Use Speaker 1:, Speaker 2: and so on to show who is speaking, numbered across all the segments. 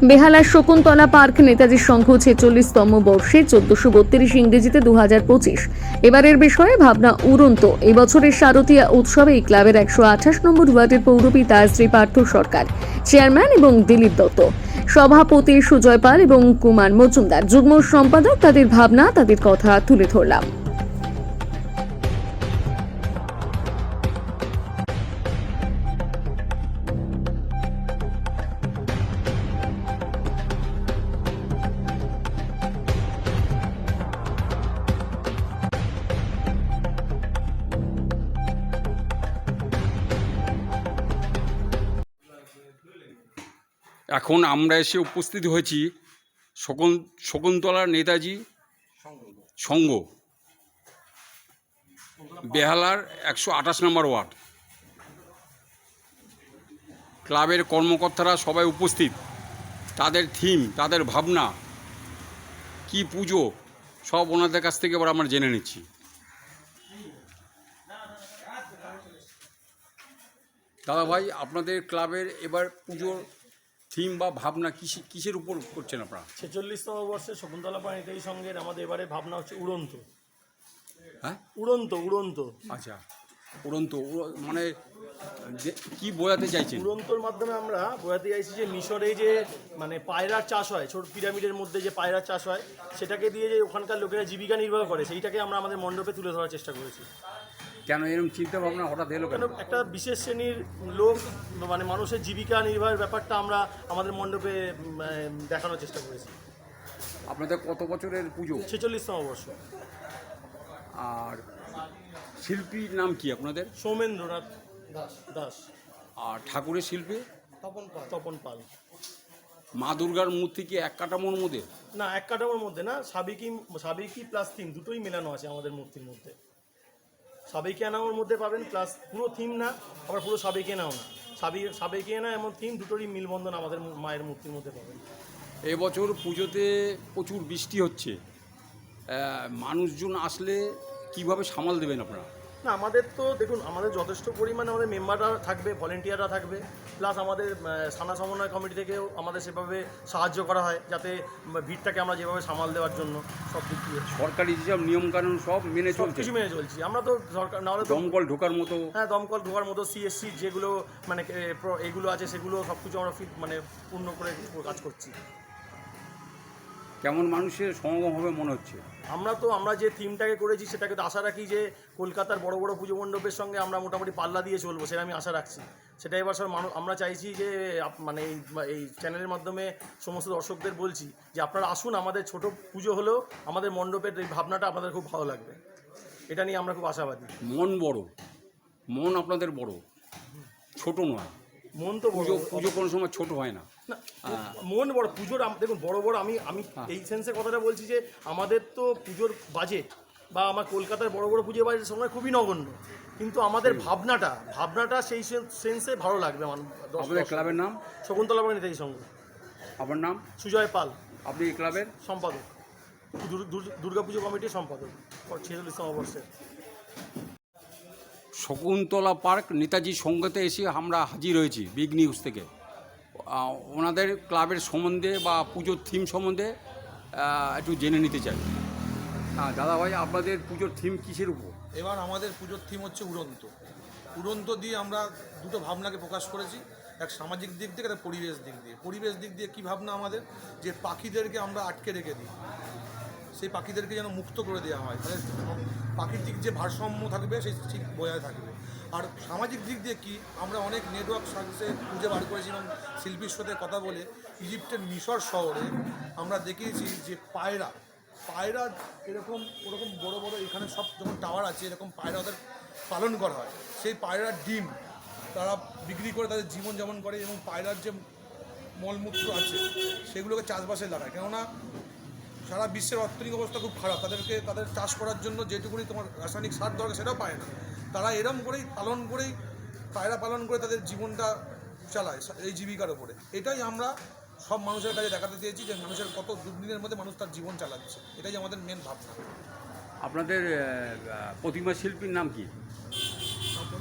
Speaker 1: বেহালার Shakuntala park Netaji Sangha 46তম বর্ষে 1432 ইংরেজিতে 2025 এবারের বিষয়ে ভাবনা উড়ন্ত। এই বছরের শারদীয়া উৎসবে এই ক্লাবের 128 নম্বর ওয়ার্ডের পৌরপিতা শ্রী পার্থ সরকার, চেয়ারম্যান এবং দিলীপ দত্ত, সভাপতি সুজয় পাল এবং কুমার মজুমদার, যুগ্ম সম্পাদক তাদের ভাবনা, তাদের কথা তুলে ধরলাম।
Speaker 2: এখন আমরা এসে উপস্থিত হয়েছি শকুন্তলা নেতাজি সংঘ, বেহালার 128 নম্বর ওয়ার্ড। ক্লাবের কর্মকর্তারা সবাই উপস্থিত। তাদের থিম, তাদের ভাবনা, কি পুজো, সব ওনাদের কাছ থেকে এবার আমরা জেনে নিচ্ছি। দাদা ভাই, আপনাদের ক্লাবের এবার পুজোর থিম বা ভাবনা কিসের উপর করছেন আপনারা?
Speaker 3: 46তম বর্ষে শকুন্তলা পার্ক নেতাজি সংঘের আমাদের এবারে ভাবনা হচ্ছে উড়ন্ত।
Speaker 2: হ্যাঁ,
Speaker 3: উড়ন্ত।
Speaker 2: আচ্ছা, উড়ন্ত মানে কি বোঝাতে চাইছেন?
Speaker 3: উড়ন্তর মাধ্যমে আমরা বোঝাতে চাইছি যে মিশরে যে মানে পায়রার চাষ হয়, ছোট পিরামিডের মধ্যে যে পায়রার চাষ হয়, সেটাকে দিয়ে যে ওখানকার লোকেরা জীবিকা নির্বাহ করে, সেইটাকে আমরা আমাদের মণ্ডপে তুলে ধরার চেষ্টা করেছি।
Speaker 2: কেন এরকম চিন্তা ভাবনা হঠাৎ এলো কেন?
Speaker 3: একটা বিশেষ শ্রেণীর লোক মানে মানুষের জীবিকা নির্বাহের ব্যাপারটা আমরা আমাদের মণ্ডপে দেখানোর চেষ্টা করেছি।
Speaker 2: আপনাদের কত বছরের পুজো?
Speaker 3: 46তম বর্ষ।
Speaker 2: আর শিল্পীর নাম কি আপনাদের?
Speaker 3: সৌমেন্দ্রনাথ দাস।
Speaker 2: আর ঠাকুরের শিল্পী?
Speaker 3: তপন পাল।
Speaker 2: মা দুর্গার মূর্তি কি এক কাঠামোর মধ্যে?
Speaker 3: না, এক কাঠামোর মধ্যে না, সাবেকি প্লাস থিম দুটোই মেলানো আছে আমাদের মূর্তির মধ্যে। সাবেকি আনাওর মধ্যে পাবেন, প্লাস পুরো থিম না, আবার পুরো সাবেকি আনাও না, সাবেকি আনা এমন থিম দুটোরই মিলবন্ধন আমাদের মায়ের মূর্তির মধ্যে পাবেন।
Speaker 2: এবছর পুজোতে প্রচুর বৃষ্টি হচ্ছে, মানুষজন আসলে কিভাবে সামাল দেবেন আপনারা?
Speaker 3: না, আমাদের তো দেখুন, আমাদের যথেষ্ট পরিমাণে আমাদের মেম্বাররা থাকবে, ভলেন্টিয়াররা থাকবে, প্লাস আমাদের থানা সমন্বয় কমিটি থেকেও আমাদের সেভাবে সাহায্য করা হয়, যাতে ভিড়টাকে আমরা যেভাবে সামাল দেওয়ার জন্য সব দিক দিয়ে
Speaker 2: সরকারি যেসব নিয়মকানুন সব মেনে চলছে?
Speaker 3: কিছু মেনে চলছি আমরা তো। সরকার না হলে
Speaker 2: দমকল ঢোকার মতো?
Speaker 3: হ্যাঁ, দমকল ঢোকার মতো সিএসসি যেগুলো মানে এগুলো আছে, সেগুলো সব কিছু আমরা মানে পূর্ণ করে কাজ করছি।
Speaker 2: কেমন মানুষের সমাগম হবে মনে হচ্ছে?
Speaker 3: আমরা যে থিমটাকে করেছি সেটাকে তো আশা রাখি যে কলকাতার বড় বড় পুজো মণ্ডপের সঙ্গে আমরা মোটামুটি পাল্লা দিয়ে চলবো, সেটা আমি আশা রাখছি। সেটা এবার সব আমরা চাইছি যে মানে এই চ্যানেলের মাধ্যমে সমস্ত দর্শকদের বলছি যে আপনারা আসুন, আমাদের ছোট পুজো হলেও আমাদের মণ্ডপের এই ভাবনাটা আপনাদের খুব ভালো লাগবে, এটা নিয়ে আমরা খুব আশাবাদী।
Speaker 2: মন বড়, মন আপনাদের বড়, ছোট নয়।
Speaker 3: মন তো
Speaker 2: পুজো কোনো সময় ছোট হয় না।
Speaker 3: মন বড়। পুজোর দেখুন বড় আমি এই সেন্সে কথাটা বলছি যে আমাদের তো পুজোর বাজেট বা আমার কলকাতার বড় পুজোর বাজেটের সময় খুবই নগণ্য, কিন্তু আমাদের ভাবনাটা সেই সেন্সে ভালো লাগবে।
Speaker 2: আপনাদের ক্লাবের নাম?
Speaker 3: শকুন্তলা পার্ক নেতাজি সংঘ।
Speaker 2: আপনার নাম?
Speaker 3: সুজয় পাল।
Speaker 2: আপনি এই ক্লাবের
Speaker 3: সম্পাদক, দুর্গাপুজো কমিটির সম্পাদক 46তম বর্ষের।
Speaker 2: শকুন্তলা পার্ক নেতাজি সংঘতে এসে আমরা হাজির হয়েছি বিগ নিউজ থেকে। ওনাদের ক্লাবের সম্বন্ধে বা পুজোর থিম সম্বন্ধে একটু জেনে নিতে চাই। হ্যাঁ দাদা ভাই, আপনাদের পুজোর থিম কিসের উপর?
Speaker 4: এবার আমাদের পুজোর থিম হচ্ছে উড়ন্ত দিয়ে আমরা দুটো ভাবনাকে প্রকাশ করেছি, এক সামাজিক দিক থেকে, একটা পরিবেশ দিক দিয়ে কী ভাবনা আমাদের, যে পাখিদেরকে আমরা আটকে রেখে দিই, সেই পাখিদেরকে যেন মুক্ত করে দেওয়া হয়, তাহলে প্রাকৃতিক যে ভারসাম্য থাকবে সেই ঠিক বজায় থাকবে। আর সামাজিক দিক দিয়ে কি, আমরা অনেক নেটওয়ার্ক সার্ভিসে খুঁজে বার করেছিলাম, শিল্পীর সাথে কথা বলে ইজিপ্টের মিশর শহরে আমরা দেখিয়েছি যে পায়রা ওরকম বড় এখানে সব যখন টাওয়ার আছে, এরকম পায়রা ওদের পালন করা হয়, সেই পায়রার ডিম তারা বিক্রি করে তাদের জীবনযাপন করে, এবং পায়রার যে মলমূত্র আছে সেগুলোকে চাষবাসে লাগায়। কেননা সারা বিশ্বের অর্থনৈতিক অবস্থা খুব খারাপ, তাদের চাষ করার জন্য যেটুকুনি তোমার রাসায়নিক সার দরকার সেটাও পায় না, তারা এরম করেই পায়রা পালন করে তাদের জীবনটা চালায় এই জীবিকার ওপরে। এটাই আমরা সব মানুষের কাছে দেখাতে চেয়েছি যে মানুষের কত দুর্দিনের মধ্যে মানুষ তার জীবন চালাচ্ছে, এটাই আমাদের মেন ভাবনা।
Speaker 2: আপনাদের প্রতিমা শিল্পীর নাম কি?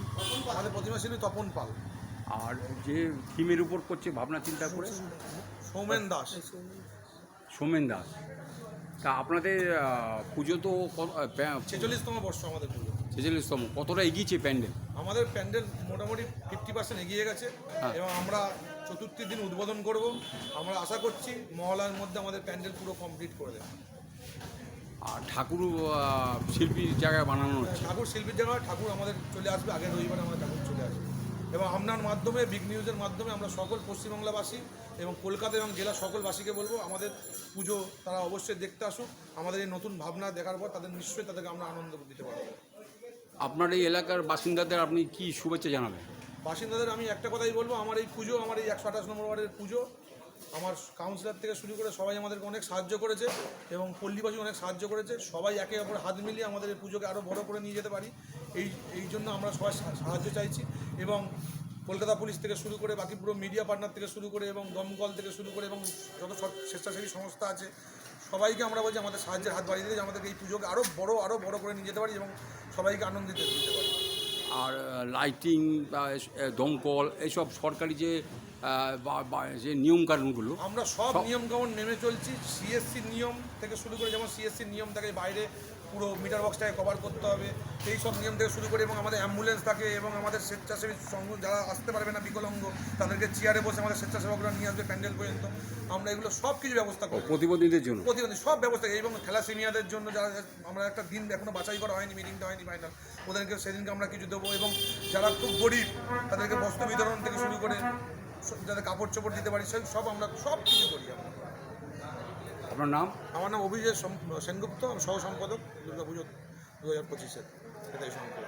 Speaker 4: আমাদের প্রতিমা শিল্পী তপন পাল।
Speaker 2: আর যে থিমের উপর করছে ভাবনা চিন্তা করে?
Speaker 4: সৌমেন দাস।
Speaker 2: সোমেন দাস। তা আপনাদের পুজো তো
Speaker 4: 46তম বর্ষ আমাদের পুজো।
Speaker 2: 46তম, কতটা এগিয়েছে প্যান্ডেল?
Speaker 4: আমাদের প্যান্ডেল মোটামুটি 50% এগিয়ে গেছে
Speaker 2: হ্যাঁ।
Speaker 4: এবং আমরা চতুর্থী দিন উদ্বোধন করব। আমরা আশা করছি মহলার মধ্যে আমাদের প্যান্ডেল পুরো কমপ্লিট করে দেবে।
Speaker 2: আর ঠাকুর শিল্পীর জায়গায় বানানো হচ্ছে।
Speaker 4: ঠাকুর শিল্পীর জায়গায় ঠাকুর আমাদের চলে আসবে, আগের রবিবারে আমাদের ঠাকুর চলে আসবে এবং আপনার মাধ্যমে, বিগ নিউজের মাধ্যমে আমরা সকল পশ্চিমবাংলাবাসী এবং কলকাতা এবং জেলা সকলবাসীকে বলবো আমাদের পুজো তারা অবশ্যই দেখতে আসুক। আমাদের এই নতুন ভাবনা দেখার পর তাদের নিশ্চয়ই তাদেরকে আমরা আনন্দ দিতে পারবো।
Speaker 2: আপনার এই এলাকার বাসিন্দাদের আপনি কি শুভেচ্ছা জানাবেন?
Speaker 4: বাসিন্দাদের আমি একটা কথাই বলবো, আমার এই পুজো, আমার এই 128 নম্বর ওয়ার্ডের পুজো, আমার কাউন্সিলর থেকে শুরু করে সবাই আমাদেরকে অনেক সাহায্য করেছে এবং পল্লীবাসী অনেক সাহায্য করেছে। সবাই একে অপরে হাত মিলিয়ে আমাদের এই পুজোকে আরও বড় করে নিয়ে যেতে পারি, এই জন্য আমরা সবাই সাহায্য চাইছি। এবং কলকাতা পুলিশ থেকে শুরু করে বাকি পুরো মিডিয়া পার্টনার থেকে শুরু করে এবং দমকল থেকে শুরু করে এবং যত স্বেচ্ছাসেবী সংস্থা আছে সবাইকে আমরা বলছি আমাদের সাহায্যের হাত বাড়িয়ে দিতে, আমাদেরকে এই পুজোকে আরও বড় করে নিয়ে যেতে পারি এবং সবাইকে আনন্দিত দিতে পারি।
Speaker 2: আর লাইটিং বা দমকল এইসব সরকারি যে যে নিয়মকানুনগুলো
Speaker 4: আমরা সব নিয়মকানুন মেনে চলছি। সিএসসি নিয়ম থেকে শুরু করে, যেমন সিএসসি নিয়ম থাকে বাইরে পুরো মিটার বক্সটাকে কভার করতে হবে, এই সব নিয়ম থেকে শুরু করে এবং আমাদের অ্যাম্বুলেন্স থাকে এবং আমাদের স্বেচ্ছাসেবী সংঘ যারা আসতে পারবে না বিকলাঙ্গ তাদেরকে চেয়ারে বসে আমাদের স্বেচ্ছাসেবকরা নিয়ে আসবে প্যান্ডেল পর্যন্ত। আমরা এগুলো সব কিছু ব্যবস্থা করি
Speaker 2: প্রতিবন্ধীদের জন্য,
Speaker 4: প্রতিবন্ধী সব ব্যবস্থা এবং থ্যালাসেমিয়াদের জন্য যারা, আমরা একটা দিন এখনো বাছাই করা হয়নি, মিটিংটা হয়নি ফাইনাল, ওদেরকে সেদিনকে আমরা কিছু দেবো এবং যারা খুব গরিব তাদেরকে বস্ত্র বিতরণ থেকে শুরু করে যাদের কাপড় চোপড় দিতে পারি সেই সব আমরা সব কিছু করি। আমরা,
Speaker 2: আপনার নাম?
Speaker 4: আমার নাম অভিজিৎ সেনগুপ্ত, আমি সহ সম্পাদক দুর্গাপুজো 2025-এর এটাই সংকলন।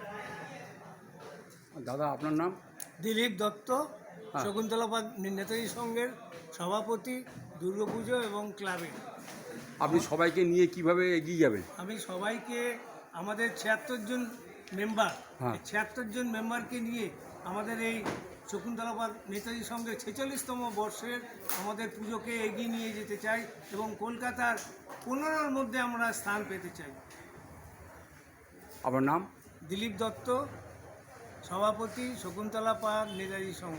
Speaker 2: দাদা আপনার নাম?
Speaker 5: দিলীপ দত্ত, শকুন্তলা পার্ক নেতাজি সংঘের সভাপতি, দুর্গাপুজো এবং ক্লাবের।
Speaker 2: আপনি সবাইকে নিয়ে কিভাবে এগিয়ে যাবেন?
Speaker 5: আমি সবাইকে, আমাদের 76 জন মেম্বার,
Speaker 2: হ্যাঁ।
Speaker 5: 76 জন মেম্বারকে নিয়ে আমাদের এই শকুন্তলা পার্ক নেতাজি সংঘের 46তম বর্ষের আমাদের পুজোকে এগিয়ে নিয়ে যেতে চাই এবং কলকাতার 15-র মধ্যে আমরা স্থান পেতে চাই।
Speaker 2: আপনার নাম?
Speaker 5: দিলীপ দত্ত, সভাপতি, শকুন্তলা পার্ক নেতাজি সংঘ।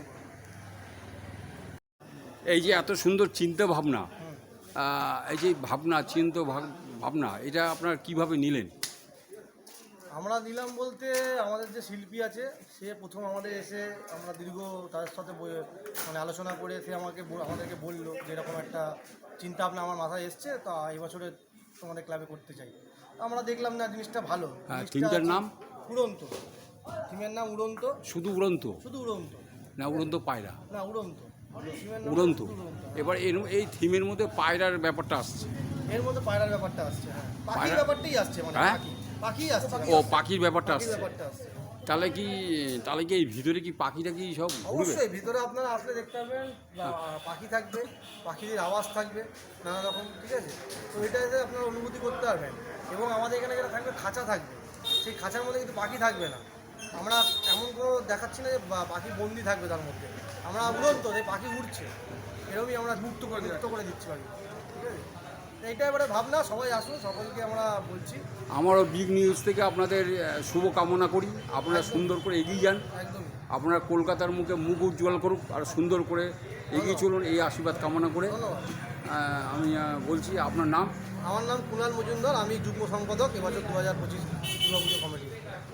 Speaker 2: এই যে এত সুন্দর চিন্তা ভাবনা, এই যে ভাবনা এটা আপনার কিভাবে নিলেন?
Speaker 3: আমরা নিলাম বলতে আমাদের যে শিল্পী আছে সে প্রথম আমাদের এসে, আমরা দীর্ঘ তাদের সাথে মানে আলোচনা করে সে আমাদেরকে বললো যে এরকম একটা চিন্তা ভাবনা আমার মাথায় এসছে, তা এই বছরে তোমাদের ক্লাবে করতে চাই। আমরা দেখলাম না জিনিসটা ভালো।
Speaker 2: থিমটার নাম?
Speaker 3: উড়ন্ত। থিমের নাম উড়ন্ত।
Speaker 2: শুধু উড়ন্ত?
Speaker 3: শুধু উড়ন্ত
Speaker 2: না উড়ন্ত পায়রা?
Speaker 3: না উড়ন্ত।
Speaker 2: উড়ন্ত। এবার এই থিমের মধ্যে পায়রার ব্যাপারটা আসছে,
Speaker 3: এর মধ্যে পায়রার ব্যাপারটা আসছে। হ্যাঁ, পাখির ব্যাপারটাই আসছে, মানে
Speaker 2: হ্যাঁ?
Speaker 3: পাখি আসছে।
Speaker 2: ও পাখির ব্যাপারটা আসছে।
Speaker 3: ব্যাপারটা আসছে।
Speaker 2: তাহলে কি এই ভিতরে কি পাখিটা কি সব ঘুরবে?
Speaker 3: অবশ্যই ভিতরে আপনারা আসলে দেখতে পাবেন পাখি থাকবে, পাখিদের আওয়াজ থাকবে নানা রকম, ঠিক আছে? তো এটাতে আপনারা অনুভূতি করতে পারবেন এবং আমাদের এখানে যেটা থাকবে খাঁচা থাকবে, সেই খাঁচার মধ্যে কিন্তু পাখি থাকবে না। আমরা এমন কোনো দেখাচ্ছি না যে পাখি বন্দি থাকবে তার মধ্যে, আমরা উড়ন্ত, যে পাখি উড়ছে এরকমই আমরা মুক্ত করে দিচ্ছি পাখি, ঠিক আছে? এইটা এবারে ভাবনা, সবাই আসুন, সকলকে আমরা বলছি।
Speaker 2: আমারও বিগ নিউজ থেকে আপনাদের শুভ কামনা করি, আপনারা সুন্দর করে এগিয়ে যান,
Speaker 3: একদমই
Speaker 2: আপনারা কলকাতার মুখ উজ্জ্বল করুক আর সুন্দর করে এগিয়ে চলুন, এই আশীর্বাদ কামনা করে
Speaker 3: ধন্যবাদ।
Speaker 2: আমি বলছি আপনার নাম?
Speaker 3: আমার নাম কুণাল মজুমদার, আমি যুগ্ম সম্পাদক এবছর 2025 দুর্গাপুজো কমিটি।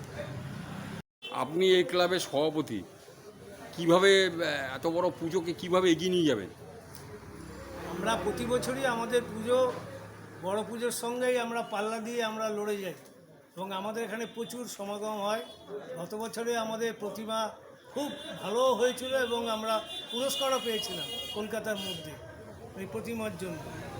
Speaker 2: আপনি এই ক্লাবের সভাপতি, কিভাবে এত বড় পুজোকে কিভাবে এগিয়ে নিয়ে যাবেন?
Speaker 5: আমরা প্রতি বছরই আমাদের পুজো, বড় পুজোর সঙ্গেই আমরা পাল্লা দিয়ে আমরা লড়ে যাই এবং আমাদের এখানে প্রচুর সমাগম হয়। গত বছরে আমাদের প্রতিমা খুব ভালো হয়েছিল এবং আমরা পুরস্কারও পেয়েছিলাম কলকাতার মধ্যে এই প্রতিমার জন্য।